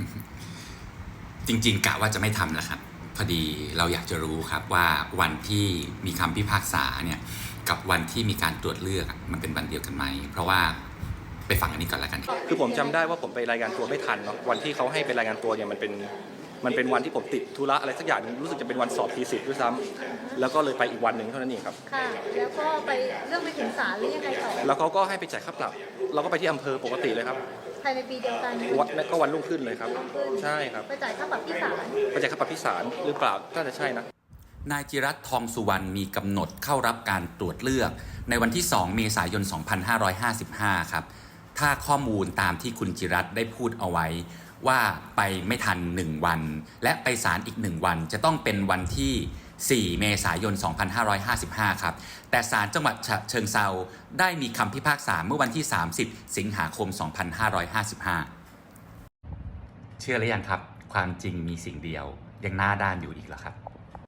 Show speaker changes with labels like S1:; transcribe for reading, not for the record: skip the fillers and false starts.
S1: จริงๆกะว่าจะไม่ทำแล้วครับพอดีเราอยากจะรู้ครับว่าวันที่มีคำพิพากษาเนี่ยกับวันที่มีการตรวจเลือกมันเป็นวันเดียวกันไหมเพราะว่าไปฟังอันนี้ก่อนแล้วกัน
S2: คือผมจำได้ว่าผมไปรายงานตัวไม่ทันเนาะวันที่เขาให้ไปรายงานตัวเนี่ยมันเป็นวันที่ผมติดธุระอะไรสักอย่างนึงรู้สึกจะเป็นวันสอบทีสิทธ์ด้วยซ้ำแล้วก็เลยไปอีกวันหนึ่งเท่านั้นเองครับ
S3: ค่ะแล้วก็ไปเรื่องไปถึงศาลหรือยังไงต่อ
S2: แล้วเขาก็ให้ไปจ่ายค่าปรับเราก็ไปที่อำเภอปกติเลยครับ
S3: ภายในปีเดียวกัน
S2: ก็วันรุ่งขึ้นเลยครับใช่ครับ
S3: ไปจ่ายค่าปรับที่ศาล
S2: ไปจ่ายค่าปรับที่ศาลหรือเปล่าน่าจะใช่นะ
S1: นายจิรัตน์ทองสุวรรณมีกำหนดเข้ารับการตรวจเลือกในวันที่ 2 เมษายน 2555 ครับถ้าข้อมูลตามที่คุณจิรัตน์ได้พูดเอาไว้ว่าไปไม่ทัน1วันและไปศาลอีก1วันจะต้องเป็นวันที่ 4 เมษายน 2555 ครับแต่ศาลจังหวัดฉะเชิงเทราได้มีคำพิพากษาเมื่อวันที่ 30 สิงหาคม 2555 เชื่อหรือยังครับความจริงมีสิ่งเดียวยังหน้าด้านอยู่อีกเหรอครับ